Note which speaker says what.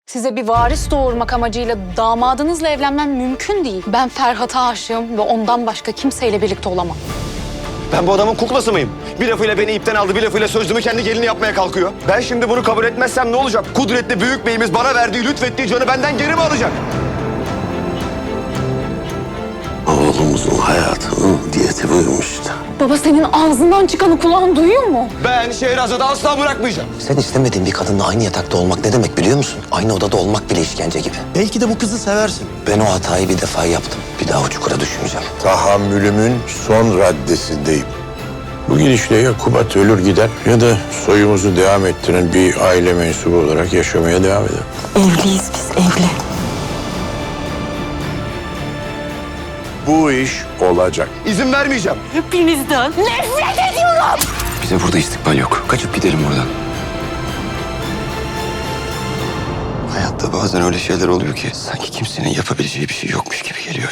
Speaker 1: Size bir varis doğurmak amacıyla damadınızla evlenmem mümkün değil. Ben Ferhat'a aşığım ve ondan başka kimseyle birlikte olamam.
Speaker 2: Ben bu adamın kuklası mıyım? Bir lafıyla beni ipten aldı, bir lafıyla sözlümü kendi gelini yapmaya kalkıyor. Ben şimdi bunu kabul etmezsem ne olacak? Kudretli büyük beyimiz bana verdiği, lütfettiği canı benden geri mi alacak?
Speaker 3: Oğlumuzun hayatının diyeti buyurmuştu.
Speaker 1: Baba senin ağzından çıkanı kulağın duyuyor mu?
Speaker 2: Ben Şehrazat'ı asla bırakmayacağım.
Speaker 3: Sen istemediğin bir kadınla aynı yatakta olmak ne demek biliyor musun? Aynı odada olmak bile işkence gibi.
Speaker 4: Belki de bu kızı seversin.
Speaker 3: Ben o hatayı bir defa yaptım. Bir daha o çukura düşmeyeceğim.
Speaker 5: Tahammülümün son raddesindeyim. Bu gidişle ya Kubat ölür gider ya da soyumuzu devam ettiren bir aile mensubu olarak yaşamaya devam eder.
Speaker 6: Evliyiz biz, evli.
Speaker 5: Bu iş olacak.
Speaker 2: İzin vermeyeceğim.
Speaker 6: Hepinizden nefret ediyorum.
Speaker 3: Bize burada istikbal yok. Kaçıp gidelim buradan. Hayatta bazen öyle şeyler oluyor ki sanki kimsenin yapabileceği bir şey yokmuş gibi geliyor.